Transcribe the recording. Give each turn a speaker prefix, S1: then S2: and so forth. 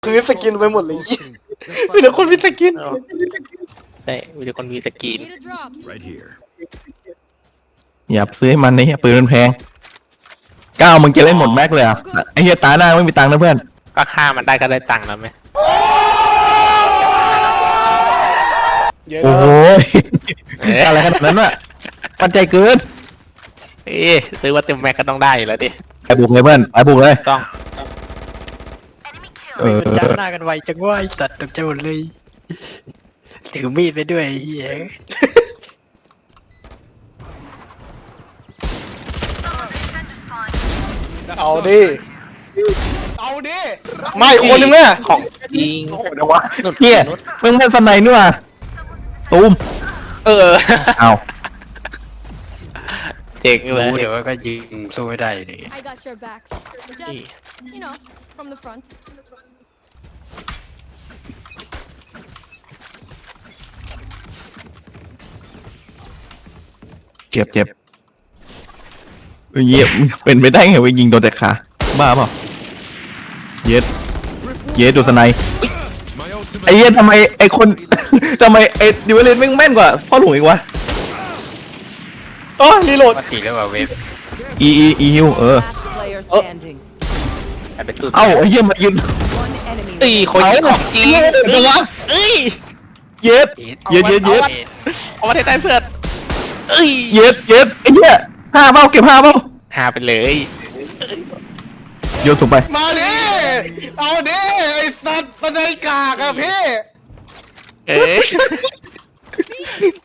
S1: พื้นสกินไปหมดเลยมีแต่คนมีสกิน
S2: ใช่มีแต่คนมีสกิน
S3: Need a drop.
S4: Right here.
S5: อย่าซื้อให้มันนี่ปืนมันแพงก้าวมึงจะเล่นหมดแม็กเลยอ่ะไอ้เหี้ยตาหน้าไม่มีตังค์นะเพื่อน
S2: ก็ฆ่ามันได้ก็ได้ตังค์แล้วไหม
S1: เยอะ
S5: โอ้
S1: นะ
S5: โหอะไรขนาดนั้นวะมั่นใจเกิน
S2: ซื้อว่าเต็มแม็กก็ต้องได้อยู่แล้วดิ
S5: ไปบุกเลยเพื่อนไปบุกเลย
S2: ต้อง
S5: เออ
S6: มันจ้าหน้ากันไวจังว่าไอสัตว์ตกใจหมดเลยถือมีดไปด้วยไอ้เหี้ย
S1: เอาดิเอาดิไม่คนหนึงเนี่ย
S2: ของจริง
S5: เดี๋ยววะเหี้ยมึงเป็นสไนด์นี่ว่ะตูม
S2: เออ
S5: เอา
S2: เจ๋งเลย
S6: รู้เดี๋ยวก็ยิงสู้ไม่ได้อยู่ดี
S3: I got your backs. Just, you know, from the front.
S5: เจ็บเจ็บเยี่ยมเป็นไปได้ไงวะยิงโดนแต่ขาบ้าเปล่าเย็ดดูสไนด์
S4: My ultimate.
S5: ไอ้เหี้ยทำไมไอ้คน ทำไมไอ้ดิวเลนแม่งแม่นกว่าพ่อหลวงอีกวะ
S1: อ๋อรีโหลด
S6: ปกติแล้วว่าเวฟ
S5: อีฮิว
S7: Last player standing.
S2: ไอ้เป็นตุ้น
S5: เอ้าไอ้เหี้ยมายืน
S7: One enemy.
S2: ตีคนยิงของจริง
S5: เดี๋ยววะ
S2: เอ้ย
S5: เย็ดเย็ด
S2: เอามาได้เพื่อนเอ้ย
S5: เย็ดไอ้เหี้ยห้าเป้าเก็บห้าเป้า
S2: หาไปเลย
S5: โยนส่งไป
S1: มาดิเอาดิไอ้สัตว์สไนกากอะพี่
S2: เอ้ย